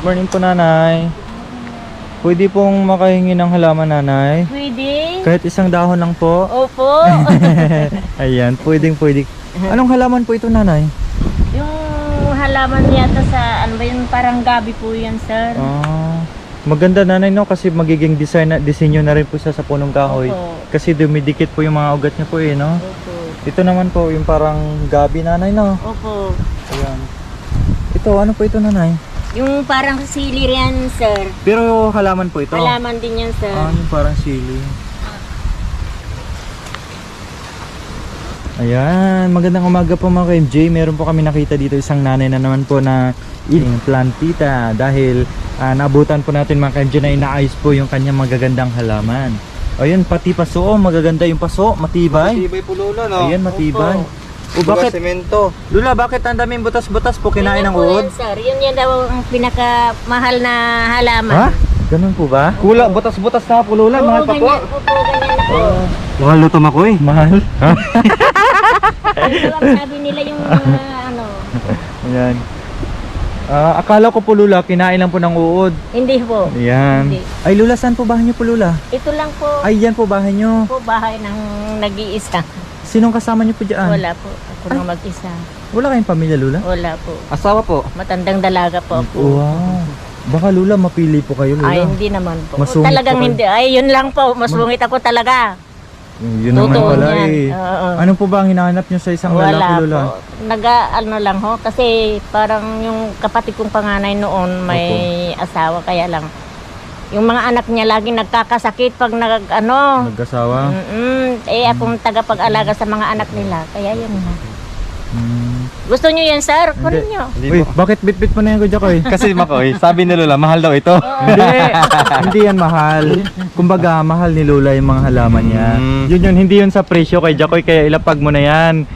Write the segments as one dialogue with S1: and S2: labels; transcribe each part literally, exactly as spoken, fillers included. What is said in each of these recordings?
S1: Morning po, nanay. Pwede pong makahingi ng halaman, nanay?
S2: Pwede.
S1: Kahit isang dahon lang po.
S2: Opo.
S1: Ayan, pwedeng pwede. Anong halaman po ito, nanay?
S2: Yung halaman yata sa, ano ba yun, parang gabi po yan, sir.
S1: Ah, maganda, nanay, no? Kasi magiging design na, disenyo na rin po siya sa punong kahoy.
S2: Opo.
S1: Kasi dumidikit po yung mga ugat niya po eh, no?
S2: Opo.
S1: Ito naman po, yung parang gabi, nanay, no?
S2: Opo.
S1: Ayan. Ito, ano po ito, nanay?
S2: Yung parang sili yan, sir.
S1: Pero halaman po ito?
S2: Halaman din yan, sir.
S1: Ah, yung parang sili. Ayan, magandang umaga po mga ka-M J. Meron po kami nakita dito isang nanay na naman po na iling plantita. Dahil uh, naabutan po natin mga ka-M J na inaayos po yung kanyang magagandang halaman. Ayun, pati paso, oh, magaganda yung paso, matibay.
S3: Matibay po, Lola, no?
S1: Ayan, matibay. O
S3: Bakit?
S1: bakit,
S3: Semento.
S1: Lula, bakit ang daming butas-butas po kinain ng
S2: Yun po
S1: uod?
S2: yan, sir. Yun yan daw ang pinakamahal na halaman.
S1: Ha? Ganun po ba?
S3: Kula, butas-butas na po, Lola.
S2: Oo,
S3: Mahal pa po.
S2: ganyan po po, ganyan po.
S1: Mahal luto ako eh. Mahal? Ha?
S2: Ito ang sabi nila yung mga ano.
S1: Ayan. Ah, akala ko po, Lula, kinain lang po ng uod.
S2: Hindi po.
S1: Ayan.
S2: Hindi.
S1: Ay, Lula, saan po bahay niyo po, Lula?
S2: Ito lang po.
S1: Ay, yan po bahay niyo.
S2: po bahay ng nag-iisa.
S1: Sinong kasama niyo po dyan?
S2: Wala po. Ako nang mag-isa.
S1: Wala kayong pamilya, Lula?
S2: Wala po.
S3: Asawa po.
S2: Matandang dalaga po ako.
S1: Wow. Baka, Lula, mapili po kayo, Lula.
S2: Ay, hindi naman po.
S1: Masungit
S2: Talagang
S1: po kayo.
S2: hindi. Ay, yun lang po. Masungit ako talaga.
S1: Yun naman
S2: Totoo
S1: pala
S2: yan.
S1: eh.
S2: Oo.
S1: Ano po ba ang hinahanap niyo sa isang
S2: Wala
S1: lalaki, Lula?
S2: po. Naga, ano lang ho. Kasi parang yung kapatid kong panganay noon may asawa. Kaya lang. Yung mga anak niya laging nagkakasakit pag nag, ano.
S1: Nag-asawa?
S2: Mm-mm. Eh, akong tagapag-alaga sa mga anak nila. Kaya yun na.
S1: Hmm.
S2: Gusto nyo yan, sir? Kunin
S1: Hindi.
S2: nyo.
S3: Hindi
S1: Uy,
S3: po.
S1: bakit bit-bit mo na yan, Kuya Koy?
S3: Kasi Makoy, sabi ni Lola, mahal daw ito.
S1: Hindi, hindi yan mahal. Kumbaga, mahal ni Lola yung mga halaman niya.
S3: Mm.
S1: Yun yun, hindi yun sa presyo kay Jacoy, kaya ilapag mo na yan.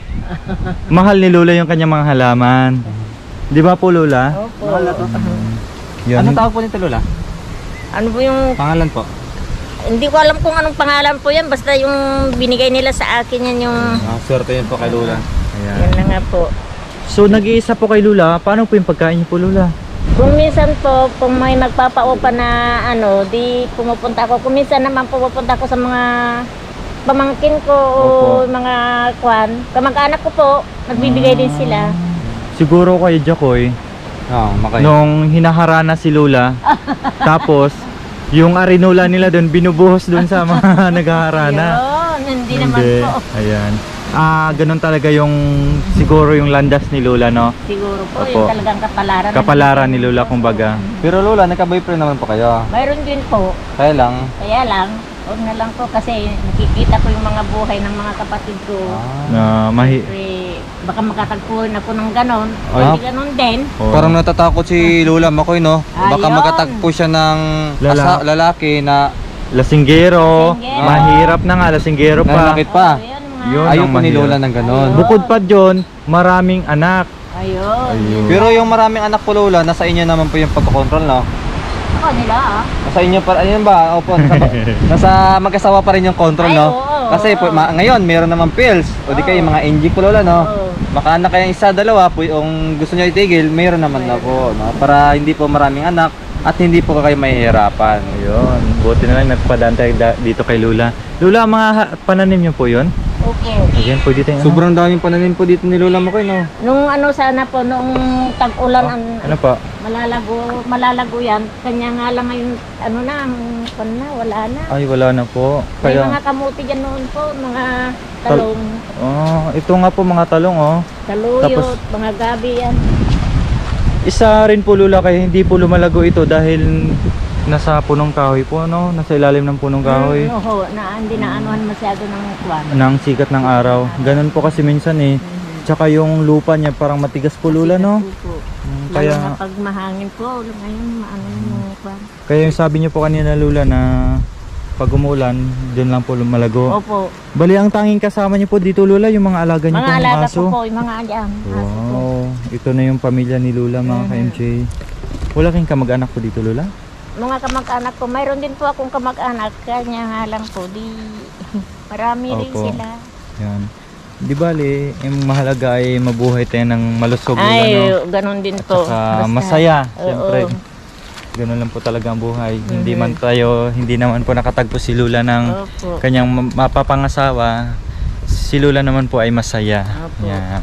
S1: Mahal ni Lola yung kanyang mga halaman. Di ba po, Lola?
S2: Opo.
S3: Mahal na to.
S1: Yan.
S3: Anong tawag po nito, Lola?
S2: Ano po yung
S3: Pangalan po.
S2: hindi ko alam kung anong pangalan po yan. Basta yung binigay nila sa akin yan yung...
S3: Ah, swerte yun po kay Lola.
S1: Ayan.
S2: Yan na nga po.
S1: So, nag-iisa po kay Lola. Paano po yung pagkain niyo po, Lola?
S2: Kung minsan po, kung may magpapaupa na ano, di pumupunta ako. Kung minsan naman pumupunta ako sa mga pamangkin ko o
S1: Opo.
S2: mga kwan. Kamag-anak ko po, nagbibigay din sila.
S1: Siguro kay Jacoy,
S3: Oo, Makoy.
S1: nung hinaharana si Lola, tapos, yung arinola nila doon, binubuhos doon sa mga naghaharana.
S2: Yun, hindi naman po.
S1: Ayan. Ah, ganun talaga yung siguro yung landas ni Lola, no?
S2: Siguro po,
S1: Opo.
S2: yung talagang kapalaran.
S1: Kapalaran ni Lola, kumbaga.
S3: Pero Lola, nagka-boyfriend naman po kayo.
S2: Mayroon din po.
S3: Kaya lang.
S2: Kaya lang, huwag na lang po kasi nakikita ko yung mga buhay ng mga kapatid ko.
S3: Ah.
S1: Na mahi...
S2: Siyempre, baka makatagpuan ako ng ganon.
S1: Ay.
S2: Hindi ganon din.
S1: Oh.
S3: Parang natatakot si Lola Makoy, no? Baka
S2: Ayun.
S3: makatagpo siya ng
S1: Lala.
S3: asa- lalaki na
S1: Lasinggero.
S2: Lasinggero.
S1: Mahirap na nga, lasinggero pa.
S3: nanakit pa.
S2: Oh, yun, mga-
S1: Yun.
S3: Ayaw
S1: ang
S3: po ni
S1: mahirap.
S3: Lola ng ganon.
S2: Ayun.
S1: Bukod pa dyan, maraming anak.
S2: Ayun.
S1: Ayun.
S3: Pero yung maraming anak po, Lola, nasa inyo naman po yung pagkocontrol, no?
S2: Ako nila ah.
S3: Nasa inyo pa, ayun ba? Opo, nasa, nasa mag-asawa pa rin yung control,
S2: Ay,
S3: no?
S2: oo,
S3: Kasi po,
S2: oo.
S3: ma- ngayon, meron naman pills. O di kayo,
S2: Oo.
S3: mga N G po, Lola, no?
S2: Oo.
S3: Baka anak kayong isa, dalawa, po, yung gusto nyo itigil, meron naman na po, no? Para hindi po maraming anak at hindi po kayo mahihirapan.
S1: Ayun. Buti na lang nagpadaan tayo da- dito kay Lola. Lola, mga ha- pananim niyo po yun?
S2: Okay.
S1: Ayan, pwede tayong...
S3: Sobrang daming pananim po dito ni Lola Makoy, no?
S2: Nung ano sana po, nung tag-ulan, ang
S1: Ano pa?
S2: malalago, malalago yan. Kanya nga lang ngayon, ano na, ang pan na, wala na.
S1: Ay, wala na po.
S2: May
S1: Kaya...
S2: mga kamuti dyan noon po, mga talong,
S1: Oh, ito nga po mga talong, oh.
S2: taluyot,
S1: Tapos-
S2: mga gabi yan.
S1: Isa rin po, Lola, kaya hindi po lumalago ito dahil nasa punong kahoy po, no? Nasa ilalim ng punong kahoy.
S2: Mm, oho, na, hindi na anuhan masyado ng kwan.
S1: Ng sikat ng araw. Ganun po kasi minsan eh. Tsaka yung lupa niya parang matigas po, Lola, no?
S2: Opo.
S1: Mm,
S2: Kaya
S1: Kaya,
S2: pag mahangin po, ngayon maano yung kwan.
S1: kaya yung sabi niyo po kanina, Lola, na pag umulan, doon lang po lumalago.
S2: Opo.
S1: Bali, ang tanging kasama niyo po dito, Lola, yung mga alaga niyo
S2: Mga
S1: pong
S2: alaga
S1: aso.
S2: po po, yung mga ayan. Aso po.
S1: Wow, ito na yung pamilya ni Lola, mga
S2: Mhm.
S1: ka-M J. Wala kayong kamag-anak po dito, Lola?
S2: Mga kamag-anak ko, mayroon din po akong kamag-anak, kanya nga lang po, di marami rin
S1: Opo.
S2: sila.
S1: Yan. Di bali, yung mahalaga ay mabuhay tayo ng malusog, Lola,
S2: Ay,
S1: no?
S2: ganun din
S1: At
S2: po.
S1: saka
S2: Basta-
S1: masaya,
S2: Oo.
S1: siyempre. Ganun lang po talaga ang buhay. Hindi
S2: Mhm.
S1: man tayo, hindi naman po nakatagpo si Lula ng
S2: Opo.
S1: kanyang ma- mapapangasawa. Si Lula naman po ay masaya.
S2: Opo.
S1: Yan.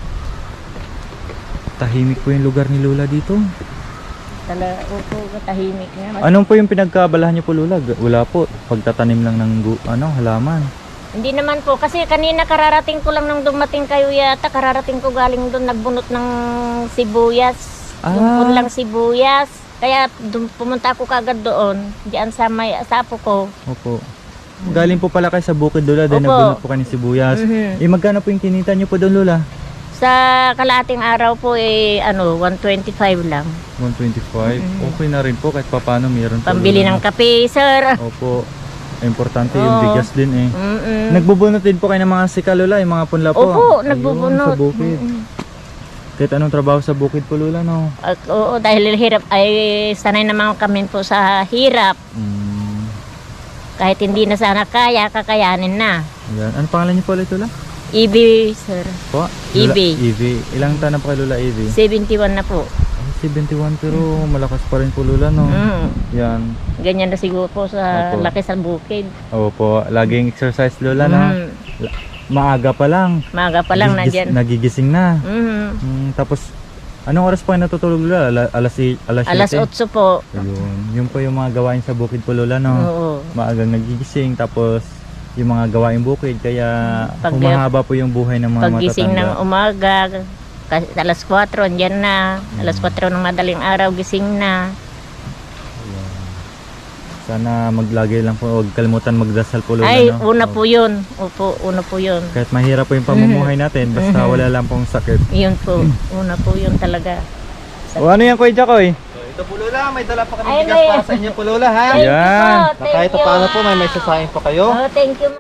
S1: Tahimik po yung lugar ni Lula dito.
S2: Tala, opo, tahimik na.
S1: Anong po yung pinagkaabalahan niyo po, Lula? G- Wala po. Pagtatanim lang ng gu- ano, halaman.
S2: Hindi naman po, kasi kanina kararating ko lang nung dumating kayo yata, kararating ko galing doon, nagbunot ng sibuyas.
S1: Ah.
S2: Yung punlang sibuyas. Kaya dun, pumunta ako kagad doon, diyan sa may asapo ko.
S1: Opo. Galing po pala kayo sa bukid, Lula. Dahil
S2: Opo.
S1: nagbunot po kayo ng sibuyas.
S2: Mhm.
S1: Eh, magkano po yung kinita niyo po doon, Lula?
S2: Sa kalating araw po, eh, ano, one twenty-five lang.
S1: one twenty-five.
S2: Mhm.
S1: Okay na rin po kahit papano meron po.
S2: Pambili
S1: Lula.
S2: ng kape, sir.
S1: Opo. Importante yung
S2: Oo.
S1: bigas din eh.
S2: Mm-mm.
S1: Nagbubunot din po kayo ng mga sika, Lula, yung mga punla po.
S2: Opo,
S1: Ayun,
S2: nagbubunot.
S1: Sa bukid.
S2: Mm-mm.
S1: Kahit anong trabaho sa bukid po, Lula, no?
S2: At, oo, dahil hirap, ay sanay naman kami po sa hirap.
S1: Mm,
S2: Kahit hindi na sana kaya, kakayanin na.
S1: yan. Ano pangalan niyo po ulit, Lula?
S2: E B, sir.
S1: Po?
S2: Evie.
S1: Lula, Evie. Ilang taon na po kay Lula, Evie?
S2: seventy-one na po.
S1: Ay, seventy-one, pero malakas pa rin po, Lula, no?
S2: Mm.
S1: Yan.
S2: Ganyan na siguro po sa
S1: Opo.
S2: laki sa bukid.
S1: Opo, laging exercise, Lula, no?
S2: Mm.
S1: Maaga pa lang.
S2: Maga pa lang
S1: Gigis-
S2: nandyan.
S1: Nagigising na.
S2: Mm.
S1: Mm, tapos, anong oras pa kayo natutulog, Lula? Ala- alas, i- alas,
S2: Alas
S1: siyete?
S2: otso po.
S1: Ayun. Yun po yung mga gawain sa bukid po, Lola, no?
S2: Oo.
S1: Maagang nagigising, tapos yung mga gawain bukid, kaya
S2: Pag-
S1: humahaba po yung buhay ng mga
S2: Paggising ng
S1: matatanda.
S2: umaga, kasi alas kwatro, andyan na. Alas kwatro ng madaling araw, gising na.
S1: Ayan. Sana maglagay lang po, huwag kalimutan magdasal po, Lola,
S2: Ay,
S1: no?
S2: una po yun. Opo, una po yun.
S1: Kahit mahirap po yung pamumuhay natin, basta
S2: Mhm.
S1: wala lang pong sakit.
S2: Yun po. Una po yun talaga.
S1: O ano yan, Kuya Jacoy?
S3: So, ito po, Lola. May dala pa kami
S2: Ay,
S3: bigas
S2: may-
S3: para sa inyo po, Lola, ha?
S2: Thank you
S1: Yan.
S2: po.
S3: Na
S2: Thank
S3: kahit
S2: you.
S3: paano po, may may sasayang po kayo.
S2: Oh, thank you.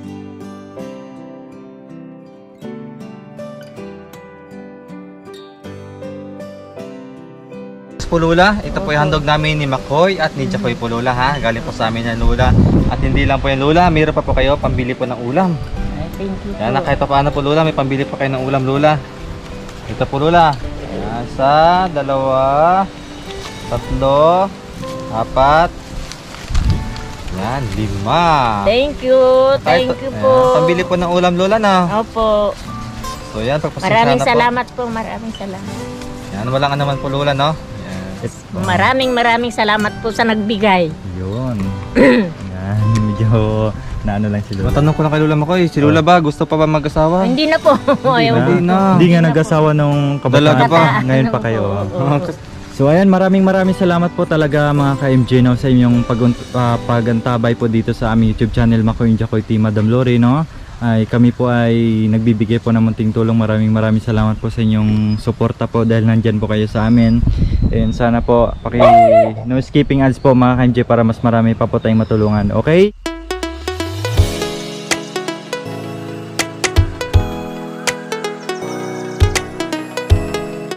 S3: po, Lola. Ito po yung handog namin ni Makoy at ni Jacoy po, Lola, ha? Galing po sa amin yan, Lola. At hindi lang po yan, Lola. Mayroon pa po kayo pambili po ng ulam.
S2: Ay, thank you
S3: Yan,
S2: po.
S3: na kahit pa paano po, Lola, may pambili pa kayo ng ulam, Lola. Ito po, Lola. Yan, sa dalawa, tatlo, apat, yan, lima.
S2: Thank you.
S3: Kahit-
S2: Thank you
S3: Ayan,
S2: po.
S3: pambili po ng ulam, Lola, na.
S2: Opo.
S3: So, yan, pagpasensya
S2: Maraming
S3: na po.
S2: salamat po. Maraming salamat.
S3: Yan, walang naman po, Lola, no? Yan.
S1: It's,
S2: Maraming maraming salamat po sa nagbigay.
S1: yun. Yan, medyo naano lang si Lola.
S3: Matanong ko lang kay Lola Makoy, si Lola ba, gusto pa ba mag-asawa?
S2: Hindi na po. Ayaw
S1: na.
S2: po.
S3: Hindi na.
S1: Hindi nga nag-asawa nung
S3: Dalaga
S1: kabataan.
S3: pa.
S1: Ngayon pa
S2: Ano
S1: kayo.
S2: po,
S1: oh.
S2: oo.
S1: So ayan, maraming maraming salamat po talaga mga ka-M J, no, sa inyong pag uh, pagantabay po dito sa aming YouTube channel Makoy and Jacoy Team Madam Lori, no. Ay kami po ay nagbibigay po ng munting tulong. Maraming maraming salamat po sa inyong suporta po dahil nandyan po kayo sa amin. And sana po paki no skipping ads po mga ka-M J para mas marami pa po tayong matulungan. Okay?